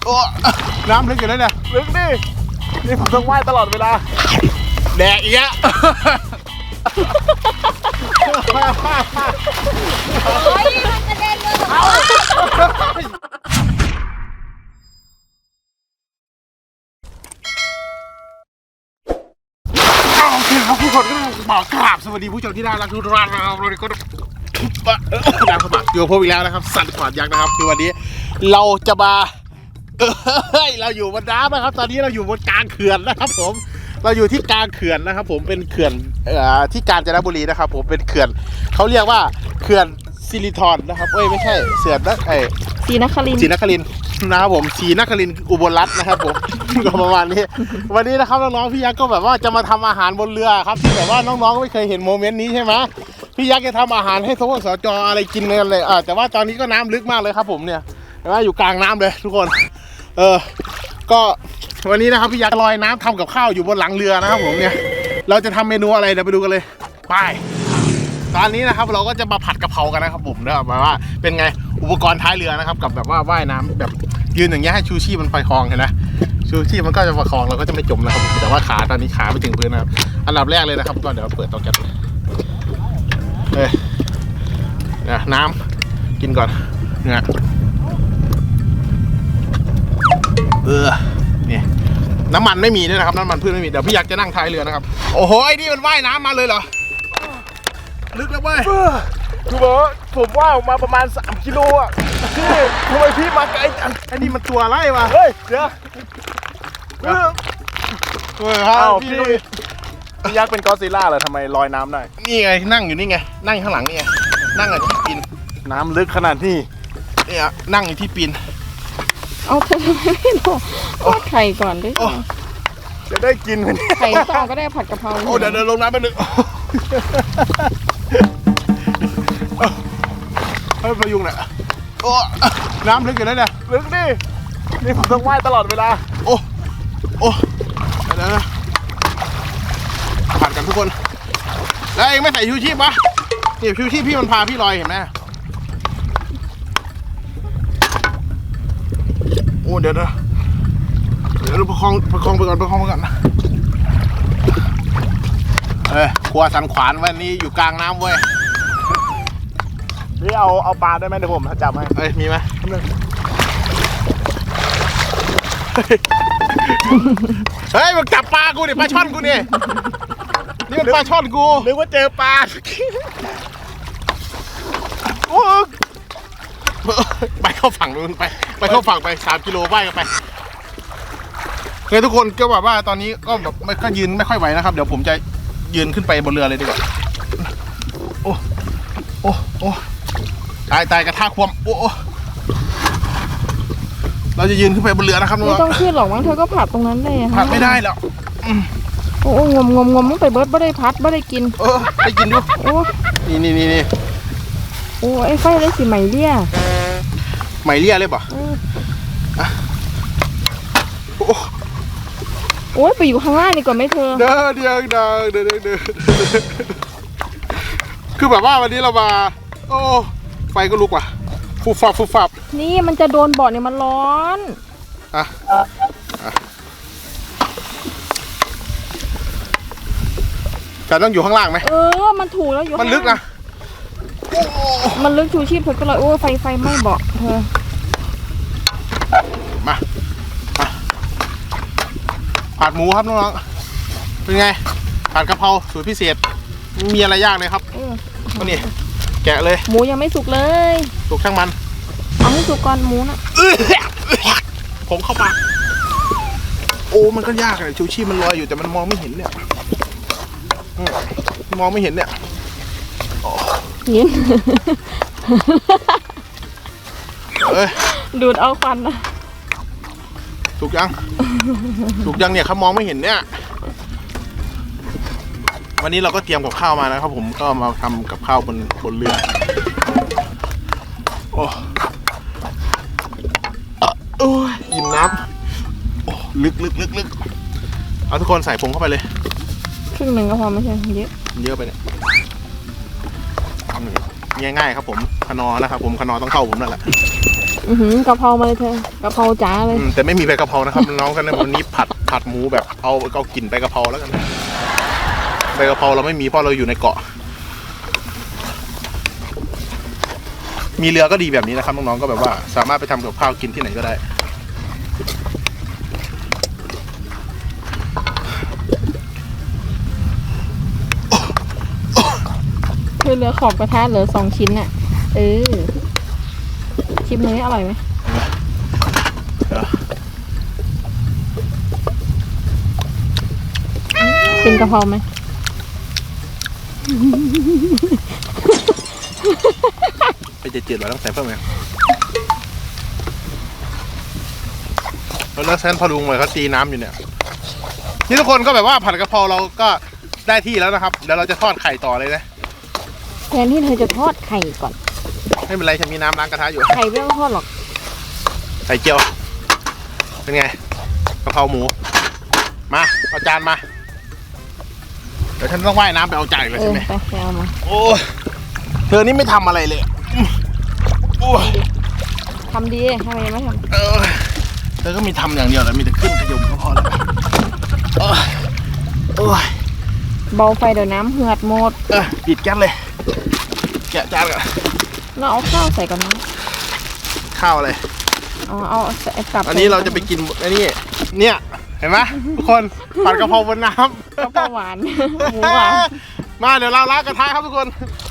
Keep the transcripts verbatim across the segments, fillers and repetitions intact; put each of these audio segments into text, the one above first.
โอ้น้ำลึกอยู่แล้วเนี่ยลึกดินี่ผมต้องว่ายตลอดเวลาแดกอีกแล้วโอ้ยมันกระเด็นเลยเอาโอเคครับผู้ชมก็บอกกราบสวัสดีผู้ชมที่น่ารักทุกท่านนะครับเราก็น้ำสมัครอยู่พบอีกแล้วนะครับสัตว์ขวานยักษ์นะครับคือวันนี้เราจะมาเฮ้ยเราอยู่บนน้ำนะครับตอนนี้เราอยู่บนกลางเขื่อนนะครับผมเราอยู่ที่กลางเขื่อนนะครับผมเป็นเขื่อนที่กาญจนบุรีนะครับผมเป็นเขื่อนเขาเรียกว่าเขื่อนสิริธรนะครับเอ้ยไม่ใช่เสือนนะไอ้ศรีนครินทร์ศรีนครินทร์นะครับผมศรีนครินทร์อุบลรัตน์นะครับผมก็ประมาณนี้วันนี้นะครับน้องๆพี่ยักษ์ก็แบบว่าจะมาทำอาหารบนเรือครับที่แบบว่าน้องๆไม่เคยเห็นโมเมนต์นี้ใช่ไหมพี่ยักษ์จะทำอาหารให้ทวสจอะไรกินกันเลยอ่าแต่ว่าตอนนี้ก็น้ำลึกมากเลยครับผมเนี่ยเห็นไหมอยู่กลางน้ำเลยทุกคนเออก็วันนี้นะครับพี่ยักษ์ลอยน้ำทำกับข้าวอยู่บนหลังเรือนะครับผมเนี่ยเราจะทำเมนูอะไรเดี๋ยวไปดูกันเลยไปตอนนี้นะครับเราก็จะมาผัดกะเพรากันนะครับผมเนี่ยแบบว่าเป็นไงอุปกรณ์ท้ายเรือนะครับกับแบบว่าว่ายน้ำแบบยืนอย่างเงี้ยให้ชูชีพมันประคองเห็นไหมชูชีพมันก็จะประคองเราก็จะไม่จมนะครับแต่ว่าขาตอนนี้ขาไม่ถึงพื้นนะครับอันดับแรกเลยนะครับก็เดี๋ยวเปิดเตาแก๊สเอ้ยนะน้ำกินก่อนเนี่ยเออเนี่ยน้ำมันไม่มีด้วยนะครับน้ำมันพืชไม่มีเดี๋ยวพี่ยักษ์จะนั่งท้ายเรือนะครับโอ้โหไอ้นี่มันว่ายน้ำมาเลยเหรอลึกแล้วเว้ยคือบอกว่าผมว่ายออกมาประมาณสามกิโลอ่ะพี่ทำไมพี่มาไกลจังไอ้นี่มันตัวอะไรวะเฮ้ยเดี๋ยวเออเฮ้ยฮะพี่พี่ยักษ์เป็นกอซิลล่าเหรอทำไมลอยน้ำได้นี่ไงนั่งอยู่นี่ไงนั่งข้างหลังนี่ไงนั่งอยู่ที่ปีนน้ำลึกขนาดนี้เนี่ยนั่งอยู่ที่ปีนเอาเธอไม่บอกว่าไข่ก่อนด้วยจะได้กินไหมไข่ต่อก็ได้ผัดกะเพราโอ้เดี๋ยวเดินลงน้ำไปหนึ่งเฮ้ยพยุงเนี่ยโอ้น้ำลึกอยู่แล้วเนี่ยลึกดินี่ผมต้องว่ายตลอดเวลาโอ้โอ้เดี๋ยวนะผ่านกันทุกคนแล้วเองไม่ใส่ชูชีพปะนี่ชูชีพพี่มันพาพี่ลอยเห็นไหมโอ้เดี๋ยวนะเดี๋ยวเราประคองประคองไปก่อนประคองไปก่อนเอ้ยครัวสันขวานวันนี้อยู่กลางน้ำเว้ยนี่เอาเอาปลาได้ไหมเดี๋ยวผมจับให้เอ้ยมีไหมเฮ้ยมันจับปลากูดิปลาช่อนกูนี่นี่มันปลาช่อนกูนึกว่าเจอปลาโอ้ไปเข้าฝั่งนู้นไปไปเข้าฝั่งไปสามกิโลว่ายกันไปเคยทุกคนก็แบบว่าตอนนี้ก็แบบไม่ค่อยยืนไม่ค่อยไหวนะครับเดี๋ยวผมจะยืนขึ้นไปบนเรือเลยดีกว่าโอ้โอ้โอ้ตายตายกระทากความโอ้เราจะยืนขึ้นไปบนเรือนะครับไม่ต้องขึ้นหรอกมั้งเธอก็ผัดตรงนั้นเลยผัดไม่ได้แล้วโอ้งมงมงมต้องไปเบิร์ดไม่ได้พัดไม่ได้กินเออได้กินดูโอ้นี่นี่นี่นี่โอ้ไอ้ไฟได้สิไหมเลี่ยไหมเลี่ยเลยป่ะโอ้ยไปอยู่ข้างล่างดีกว่าไหมเธอเด้อเดี๋ยวเดี๋ยวเดี๋ยวเดี๋ยวคือแบบว่าวันนี้เรามาโอ้ไฟก็ลุกว่ะฟูฟับฟูฟับนี่มันจะโดนบ่อเนี่ยมันร้อนอ่ะแต่ต้องอยู่ข้างล่างไหมเออมันถูกแล้วอยู่มันลึกนะมันลึกชูชีพเธอก็เลยโอ้ไฟไฟไหม้เบาะเธอมาผัดหมูครับน้องๆเป็นไงผัดกะเพราสูตรพิเศษมีอะไรยากเลยครับก็นี่แกะเลยหมูยังไม่สุกเลยสุกช่างมันเอาให้สุกก่อนหมูนะผมเข้าปากโอ้มันก็ยากเลยชูชีพมันลอยอยู่แต่มันมองไม่เห็นเนี่ยมองไม่เห็นเนี่ยเห็นเอ้ยดูดเอาควันนะสุกยังสุกยังเนี่ยเขามองไม่เห็นเนี่ยวันนี้เราก็เตรียมกับข้าวมานะครับผมก็มาทำกับข้าวบนบนเรือโอ้โอ้ยอิ่มน้ำโอ้ลึกลึกลึกลึกเอาทุกคนใส่ผงเข้าไปเลยครึ่งหนึ่งก็พอไม่ใช่เยอะเยอะไปเนี่ยง่ายๆครับผมขนอนะครับผมขนอต้องเข้าผมนั่นแหละอือหือกะเพรามาเลยเธอกะเพราจ๋าเลยอืมแต่ไม่มีใบกะเพรานะครับน้องกันนะวันนี้ผัดผัดหมูแบบเอาเอากลิ่นใบกะเพราแล้วกันใบกะเพราเราไม่มีเพราะเราอยู่ในเกาะมีเรือก็ดีแบบนี้นะครับน้องๆก็แบบว่าสามารถไปทำกับข้าวกินที่ไหนก็ได้คือเหลือขอบกระทะเหลือสองชิ้นน่ะเออชิมเลยอร่อยไหมเป็นกะเพราไหมไปเจ็ดๆเราต้องใส่เพิ่มไหมแล้วแซนพอลุงเลยเขาตีน้ำอยู่เนี่ยนี่ทุกคนก็แบบว่าผัดกะเพราเราก็ได้ที่แล้วนะครับเดี๋ยวเราจะทอดไข่ต่อเลยนะแทนที่เธอจะทอดไข่ก่อนไม่เป็นไรฉันมีน้ำล้างกระทะอยู่ไข่ไม่ต้องทอดหรอกไข่เจียวเป็นไงกะเพราหมูมาเอาจานมาเดี๋ยวฉันต้องว่ายน้ำไปเอาใจเลยเอใช่อไหมไปไปเอามาโอ้เธอนี่ไม่ทำอะไรเลยโอ้ทำดีทำไมไม่ทเออเธอก็มีทำอย่างเดียวแหละมีแต่ขึ้นขยมก็พอแล้วโอ้ยโอ้ยำเบาไฟเดี๋ยวน้ำเหือดหมดเออปิดแก๊สเลยแกะจานก่อนแล้วเอาข้าวใส่ก่อนนะข้าวอะไรเอาเอาใส่กลับอันนี้เราจะไปกินอันนี้เนี่ยเห็นไหมทุกคนผัดกะเพราบนน้ำกะเพราหวาน หมูหวานมาเดี๋ยวเราล้างกระทะครับทุกคน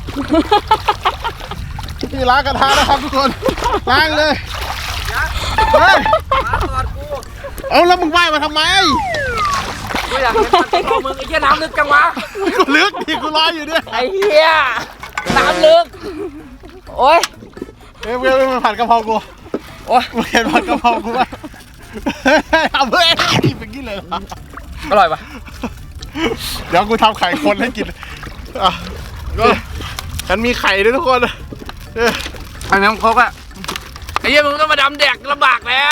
นี่ล้างกระทะนะครับทุกคนล้างเลยเฮ้ยเอาแล้วมึงว่ายมาทำไมกูอยากเห็นมันกะเพรามึงไอ้เหี้ยน้ำลึกจังวะกูลึกดิกูรออยู่เนี่ยไอ้เหี้ยน้ำลึกโอ้ยเอ้ยเว้ยมาผัดกะเพรากูโอ้ยมึงเห็นผัดกะเพรากูไหมเอาเว้ยเป็นกี้เลยเหรออร่อยปะเดี๋ยวกูทำไข่คนให้กินอ่ะก็ฉันมีไข่ด้วยทุกคนเออไอ้น้ำโคกอะไอ้เหี้ยมึงต้องมาดำแดกลำบากแล้ว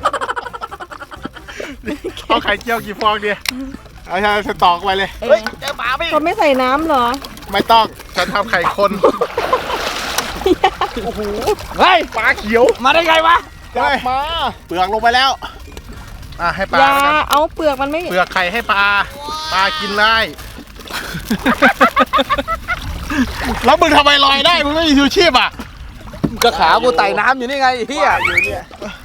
เอาไข่เจียวกี่ฟองดีเอาใช่สตอกไปเลยเฮ้ยเจอปลาไปเขาไม่ใส่น้ำเหรอไม่ต้องฉันทำไข่คนโอ้โหเฮ้ยปลาเขียวมาได้ไงวะจับมาเปลือกลงไปแล้วอ่ะให้ปลาอย่าแล้วกันเอาเปลือกมันไม่เปลือกไข่ให้ปลาปลากินได้แล้วมึงทำไมลอยได้มึงไม่มีชูชีพอ่ะก็ขากูไต่น้ำอยู่นี่ไงไอ้เหี้ยอยู่เนี่ย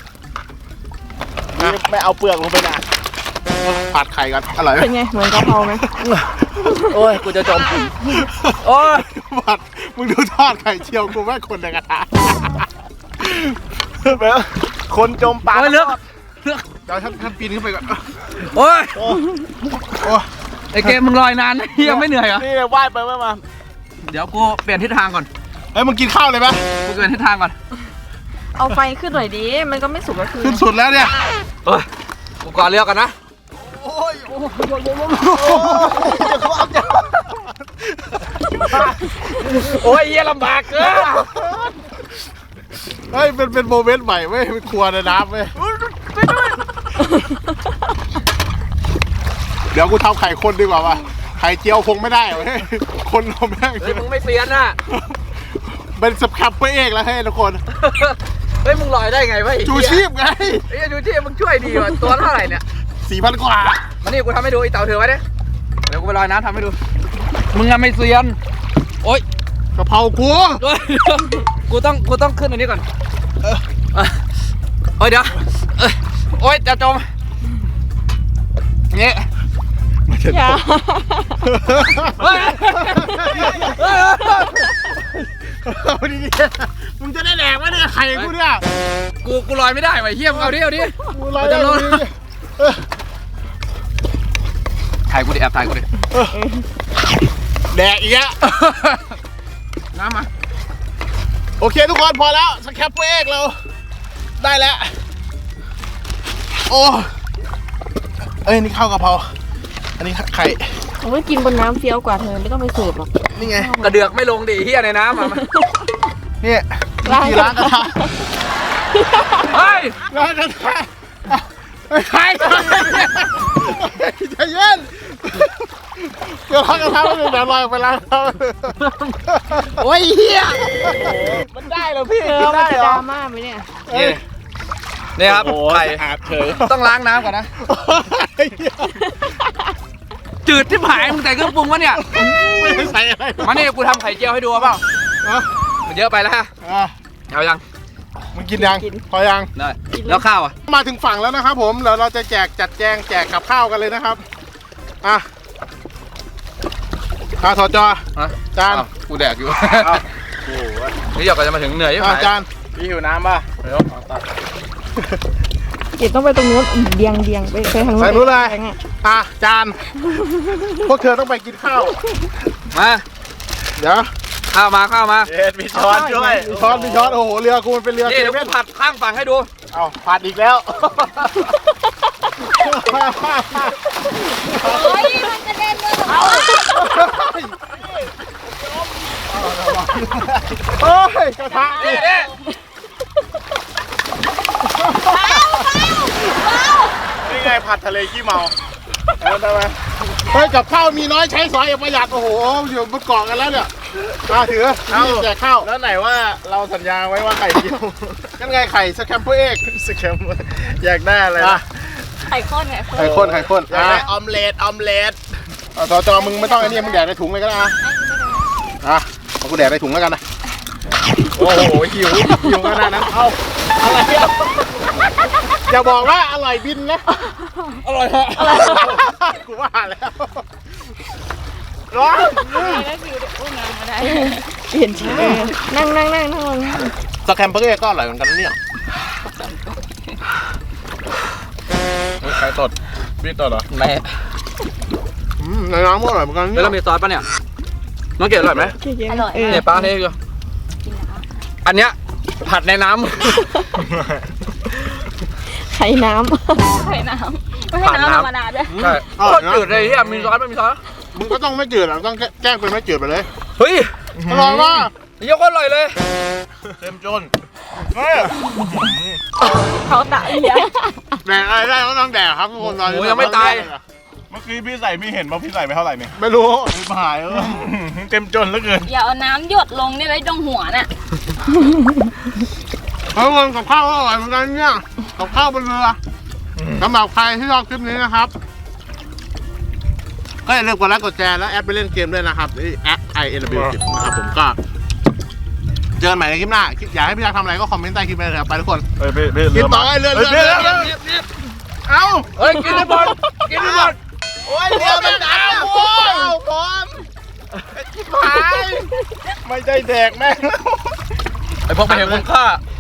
ไม่เอาเปลือกลงไปนะผัดไข่กันอร่อยไหมเป็นไงเหมือนกะเพราไหมโอ้ยกูจะจมโอ้ยผัดมึงดูทอดไข่เจียวกูแม่งคนในกระทะแบบคนจมปลาโอ้ยเลือกเดี๋ยวท่านท่านปีนขึ้นไปก่อนโอ้ยโอ้โอ้ไอ้เกมมึงลอยนานนะเหี้ยไม่เหนื่อยเหรอนี่ว่ายไปว่ายมาเดี๋ยวกูเปลี่ยนทิศทางก่อนเฮ้ยมึงกินข้าวเลยปะกูเปลี่ยนทิศทางก่อนเอาไฟขึ้นหน่อยดิมันก็ไม่สุกก็คือขึ้นสุดแล้วเนี่ยเอ้ยกูก่อนเรือกันนะโอ้ยโอ้ยโอ้ยเหี้ยลำบากเกินเฮ้ยเป็นเป็นโมเมนต์ใหม่เว้ยเป็นครัวในน้ำเว้ยเดี๋ยวกูทำไข่คนดีกว่าว่ะไข่เจียวคงไม่ได้เว้ยคนเราแม่งเฮ้ยมึงไม่เซียนน่ะเป็นสแครปเปอร์เอกแล้วให้ทุกคนเฮ้ยมึงลอยได้ไงวะไอ้จูเหี้ยชีพไงไอ้เหี้ยจูชีพมึงช่วยดีว่ะตัวเท่าไหร่เนี่ยสี่พันกว่ามานี่กูทำให้ดูไอ้เต่าเถือไว้ดิเดี๋ยวกูไปลอยน้ำทำให้ดูมึงอะไม่เซียนโอ๊ยกะเพรากูโอ๊ยกูต้องกูต้องขึ้นอันนี้ก่อนเออโอ๊ยเดี๋ยวเอ้ยโอ๊ยจะจมนี่อย่าเฮ้ยเฮ้ยเอาดีๆมึงจะได้แดกไหมเนี่ยไข่กูเนี่ยกูกูลอยไม่ได้ว่ะเฮียมงเอาดิเอาดิกูลอยได้จะลงดีเออถ่ายกูดิแอบถ่ายกูดิแดกอีกแล้วน้ำมาโอเคทุกคนพอแล้วสแครปเปอร์เอกเราได้แล้ว โอ้เอ้ยนี่ข้าวกะเพราอันนี้ไข่ผมก็กินบนน้ำเฟี้ยวกว่าเธอไม่ต้องไปเสิร์ฟหรอกนี่ไงกระเดือกไม่ลงดิเฮียในน้ำอ่ะมานี่ล้างที่ล้างกระทะเฮ้ยล้างกระทะไอ้ไข่ใจเย็นใจกระทะกระทะไม่เป็นแบบลอยออกไปแล้วครับโอ้ยเฮียมันได้เหรอพี่เออกินมันได้จะเหรดอราม่าไหมเนี่ยนี่นี่ครับไข่อาดเฉยต้องล้างน้ำก่อนนะ จืดที่หายมึงใส่เครื่องปรุงวะเนี่ยไม่ได้ใส่อะไรมานี่กูทำไข่เจียวให้ดูเอาเปล่าอ่ะมันเยอะไปแล้วฮะอ่ะเอายังมึงกินยังพอยังได้แล้วข้าวอ่ะมาถึงฝั่งแล้วนะครับผมเดี๋ยวเราจะแจกจัดแจงแจกกับข้าวกันเลยนะครับอ่ะข้าวทอดจอฮะจานอ้วกูแดกอยู่เอานี่หยอกก็จะมาถึงเหนื่อยใช่ไหมอ่ะจานพี่หิวน้ำป่ะเดี๋ยวเดี๋ยวต้องไปตรงนู้นอีกเดียงเดียงไปไปทางนู้นใส่นู้นเลยแบงค์อะอ่ะจานพวกเธอต้องไปกินข้าวมาเดี๋ยวข้าวมาข้าวมาเอ็ดมีช้อนด้วยมีช้อนมีช้อนโอ้โหเรือกูมันเป็นเรือนี่เซเดี๋ยวเว่กูนผัดข้างฝั่งให้ดูเอาผัดอีกแล้วโอ้ยมันจะเล่นด้วยเหรอโอ้ยกระทะนี่นี่นี่นี่ไงผัดทะเลขี้เมาเอาได้ไหมเฮ้ยกับข้าวมีน้อยใช้สอยอย่าประหยัดโอ้โหอยู่บนเกาะกันแล้วเนี่ยมาถือเอาแจกข้าวแล้วไหนว่าเราสัญญาไว้ว่าไข่เจียวกันไงไข่สแคมเปอร์เอ็กสแคมอยากได้อะไรอ่ะนะไข่ข้นไข่ข้นไข่ข้นไข่ข้นอยากอ่ะได้ออมเล็ตออมเล็ตเอาจอจอมึงไม่ต้องไอ้นี่มึงแดกในถุงเลยก็ได้อ่ะอ่ะเอากูแดกในถุงแล้วกันนะโอ้โหหิวหิวขนาดนั้นเอาอะไรอ่ะอย่าบอกว่าอร่อยบินนะอร่อยฮะกูว่าแล้วร้อนแล้วฟิวได้อุ้มน้ำมาได้เห็นชื่อนั่งนั่งนั่งนั่งลงสแคมเปอร์เอ็กก็อร่อยเหมือนกันนะเนี่ยไข่ตดพี่ตดเหรอแม่อืมในน้ำก็อร่อยเหมือนกันแล้วเรามีซอสป่ะเนี่ยน้องเกดอร่อยไหมเก๋ๆอร่อยเออเนี่ยป้าเทอยู่อันเนี้ยผัดในน้ไข่น้ไข่น้ำไม่ใช่น้ำธรรมดาด้วยำใช่โคตรจืดเลยที่มีซอสไม่มีซอสมึงก็ต้องไม่จืดหรอกต้องแกล้งเป็นไม่จืดไปเลยเฮ้ยอร่อยมากเยี่ยโคตรอร่อยเลยเต็มจนเขาตะเอียแดกอะไรได้ก็ต้องแดกครับทุกคนตอนนี้โอ้ยังไม่ตายเมื่อกี้พี่ใส่พี่เห็นว่าพี่ใส่ไปเท่าไหร่เนี่ยไม่รู้พี่หายเออเต็มจนเหลือเกินอย่าเอาน้ำหยดลงนี่ไว้ตรงหัวน่ะเฮ้ยคนกับข้าวก็อร่อยเหมือนกันเนี่ยกับข้าวบนเรือสำหรับใครที่ชอบคลิปนี้นะครับ ก็อย่าลืมกดไลค์กดแชร์แล้วแอดไปเล่นเกมด้วยนะครับที่แอด ไอ เอ็น ดับเบิลยู สิบนะครับผมก็เจอกันใหม่ในคลิปหน้าอยากให้พี่ยักษ์ทำอะไรก็คอมเมนต์ใต้คลิปไปเลยครับไปทุกคนเฮ้ยพี่พี่กินต่อไอ้เรือเรือเรือเรือเอ้าเฮ้ยกินให้หมดกินให้หมดโอ้ยเรือมันดันโอ้ยบอลชิบหายไม่ใช่แดกแม่งไอพวกไม่เห็นคุณค่าเ